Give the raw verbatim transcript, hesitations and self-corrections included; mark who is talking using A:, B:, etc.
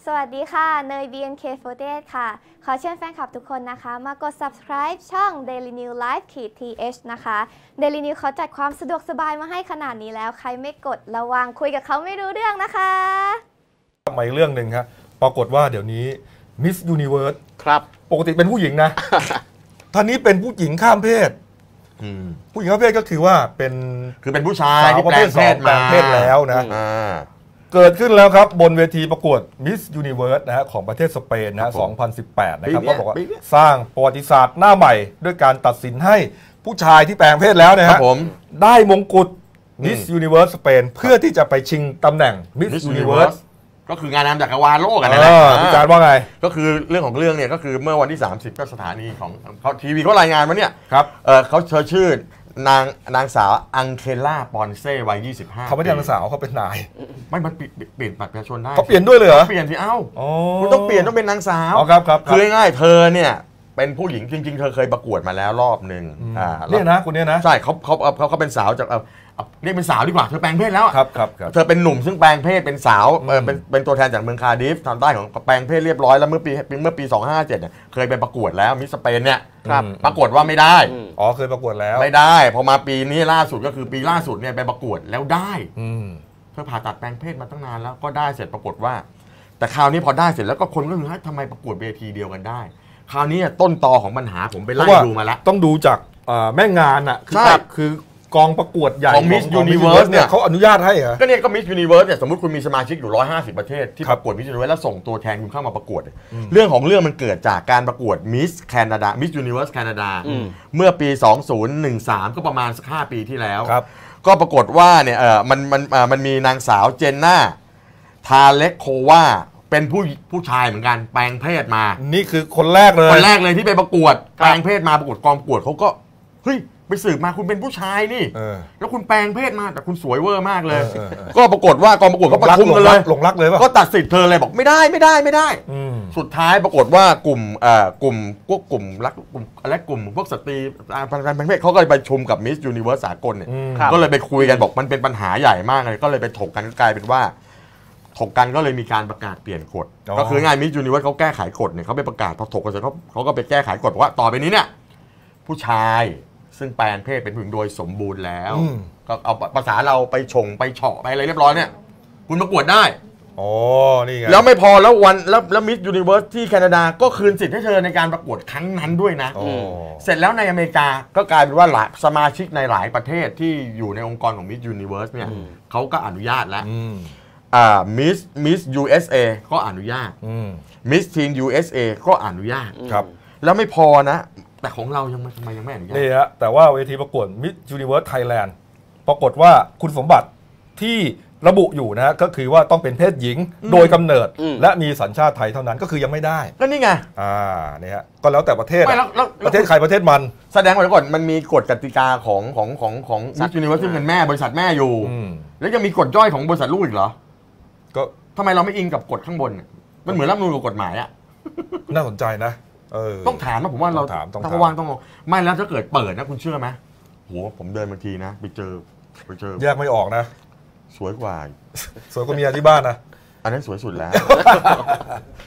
A: สวัสดีค่ะเนย บี เอ็น เค สี่สิบแปด ค่ะขอเชิญแฟนคลับทุกคนนะคะมากด subscribe ช่อง Daily New Life ที เอช นะคะ Daily New เขาจัดความสะดวกสบายมาให้ขนาดนี้แล้วใครไม่กดระวังคุยกับเขาไม่รู้เรื่องนะคะ
B: มาอีกเรื่องหนึ่งครับปรากฏว่าเดี๋ยวนี้ Miss Universe
C: ครับ
B: ปกติเป็นผู้หญิงนะ ท่านนี้เป็นผู้หญิงข้ามเพศผู้หญิงข้ามเพศก็คือว่าเป็น
C: คือเป็นผู้ชายที่แปลงเพศมา
B: แปลงเพศแล้วนะเกิดขึ้นแล้วครับบนเวทีประกวด Miss Universe นะฮะของประเทศสเปนนะสองพันสิบแปดนะครับก็บอกว่าสร้างประวัติศาสตร์หน้าใหม่ด้วยการตัดสินให้ผู้ชายที่แปลงเพศแล้วนะฮะได้มงกุฎ Miss Universe สเปนเพื่อที่จะไปชิงตำแหน่ง Miss Universe
C: ก็คืองานนำจักรวาลโลกกันนะ
B: พี่การว่าไง
C: ก็คือเรื่องของเรื่องเนี่ยก็คือเมื่อวันที่สามสิบก็สถานีของเขาทีวีเขารายงานมาเนี่ย
B: ครับ
C: เออเขาเชิญชื่อนางนางสาวอังเคล่าปอนเซ่วัยยี่สิบห้า
B: เขาไม่ใช่นางสาวเขาเป็นนาย
C: ไม่มันเปลี่ยนบัตรประชาชนได้
B: เขาเปลี่ยนด้วยเลยเหรอ
C: เปลี่ยนสิเอ้าคุณต้องเปลี่ยนต้องเป็นนางสาว
B: อ๋อครับครับ
C: คือง่ายๆเธอเนี่ยเป็นผู้หญิงจริงๆเธอเคยประกวดมาแล้วรอบหนึ่ง
B: อ่าเนี่ยนะคุณเนี่ยนะ
C: ใช่เขาเขาเขาเขาเป็นสาวจากเรียกเป็นสาวดีกว่าเธอแปลงเพศแล้ว
B: ครับครับ
C: เธอเป็นหนุ่มซึ่งแปลงเพศเป็นสาวเป็นเป็นตัวแทนจากเมืองคาร์ดิฟทางใต้ของแปลงเพศเรียบร้อยแล้วเมื่อปีเมื่อปีสองพันห้าร้อยห้าสิบเจ็ดเนี่ยเคยไปประกวดแล้วมิสสเปนเนี่ยปรากฏว่าไม่ได้
B: อ๋อเคยประกวดแล้ว
C: ไม่ได้พอมาปีนี้ล่าสุดก็คือปีล่าสุดเนี่ยไปประกวดแล้วได้เธอผ่าตัดแปลงเพศมาตั้งนานแล้วก็ได้เสร็จปรากฏว่าแต่คราวนี้พอได้เสร็จแล้วก็คนก็คือทำไมประกวดเวทีเดียวกันได้คราวนี้ต้นตอของปัญหาผมไปไล่ดูมาแล้ว
B: ต้องดูจากแม่งานอ่ะคือคือกองประกวดใหญ่
C: ของมิสยูนิเวิร์สเนี่ย
B: เขาอนุญาตให้เหรอ
C: ก็เนี่ยก็มิสยูนิเวิร์สเนี่ยสมมติคุณมีสมาชิกอยู่หนึ่งร้อยห้าสิบประเทศที่ประกวดมิสยูนิเวิร์สแล้วส่งตัวแทนคุณเข้ามาประกวดเรื่องของเรื่องมันเกิดจากการประกวดมิสแคนาดามิสยูนิเวิร์สแคนาดาเมื่อปีสองพันสิบสามก็ประมาณสักห้าปีที่แล้วก็ปรากฏว่าเนี่ยเออมันมันมันมีนางสาวเจนน่าทาเล็กโควาเป็นผู้ผู้ชายเหมือนกันแปลงเพศมา
B: นี่คือคนแรกเลย
C: คนแรกเลยที่ไปประกวดแปลงเพศมาประกวดกองประกวดเขาก็เฮ้ยไปสืบมาคุณเป็นผู้ชายนี่แล้วคุณแปลงเพศมาแต่คุณสวยเวอร์มากเลยก็ปรากฏว่ากองประกวดก็ประชุมกันเลย
B: หลงรักเลยป่ะ
C: ก็ตัดสิทธิ์เธอเลยบอกไม่ได้ไม่ได้ไม่ได้สุดท้ายปรากฏว่ากลุ่มเอ่อกลุ่มพวกกลุ่มรักกลุ่มอะไรกลุ่มพวกสตรีการแปลงเพศเขาก็เลยไปประชุมกับมิสยูนิเวิร์สสากลเนี่ยก็เลยไปคุยกันบอกมันเป็นปัญหาใหญ่มากเลยก็เลยไปถกกันกลายเป็นว่าถกกันก็เลยมีการประกาศเปลี่ยนกฎก็คือง่ายมิสยูนิเวิร์สเขาแก้ไขกฎเนี่ยเขาไปประกาศพอถกกันเสร็จเขาเขาก็ไปแก้ไขกฎว่าต่อไปนี้เนี่ยผู้ชายซึ่งแปลงเพศเป็นผู้หญิงโดยสมบูรณ์แล้วก็เอาภาษาเราไปชงไปเฉาะไปอะไรเรียบร้อยเนี่ยคุณประกวดได้
B: อ๋อนี่ไง
C: แล้วไม่พอแล้ววันแล้วแล้วมิสยูนิเวิร์สที่แคนาดาก็คืนสิทธิ์ให้เธอในการประกวดครั้งนั้นด้วยนะเสร็จแล้วในอเมริกาก็กลายเป็นว่าหลายสมาชิกในหลายประเทศที่อยู่ในองค์กรของมิสยูนิเวิร์สเนี่ยเขาก็อนุญาตแล้วอ่ามิสมิสยูเอสเอก็อนุญาตมิสทีนยูเอสเอก็อนุญาต
B: ครับ
C: แล้วไม่พอนะแต่ของเรายังทำไมยังไม่อนุญาต
B: นี่ฮะแต่ว่าเวทีประกวด Miss Universe Thailand ปรากฏว่าคุณสมบัติที่ระบุอยู่นะก็คือว่าต้องเป็นเพศหญิงโดยกำเนิดและมีสัญชาติไทยเท่านั้นก็คือยังไม่ได้
C: ก็นี่ไง
B: อ่าเนี่ยฮะก็แล้วแต่ประเทศประเทศใครประเทศมัน
C: แสดงไว้ก่อนมันมีกฎกติกาของของของของ Miss Universe ซึ่งเป็นแม่บริษัทแม่อยู่แล้วยังมีกฎย่อยของบริษัทลูกอีกเหรอ
B: ก็
C: ทำไมเราไม่อิงกับกฎข้างบนมันเหมือนรัฐธรรมนูญกับกฎหมายอะ
B: น่าสนใจนะ
C: ต้องถามนะผมว่าเราต้องว่างต้องไม่แล้วถ้าเกิดเปิดนะคุณเชื่อไหมโหผมเดินบางทีนะไปเจอไปเจอ
B: แยกไม่ออกนะ
C: สวยกว่า
B: สวยกว่าเมียที่บ้านนะ
C: อันนั้นสวยสุดแล้ว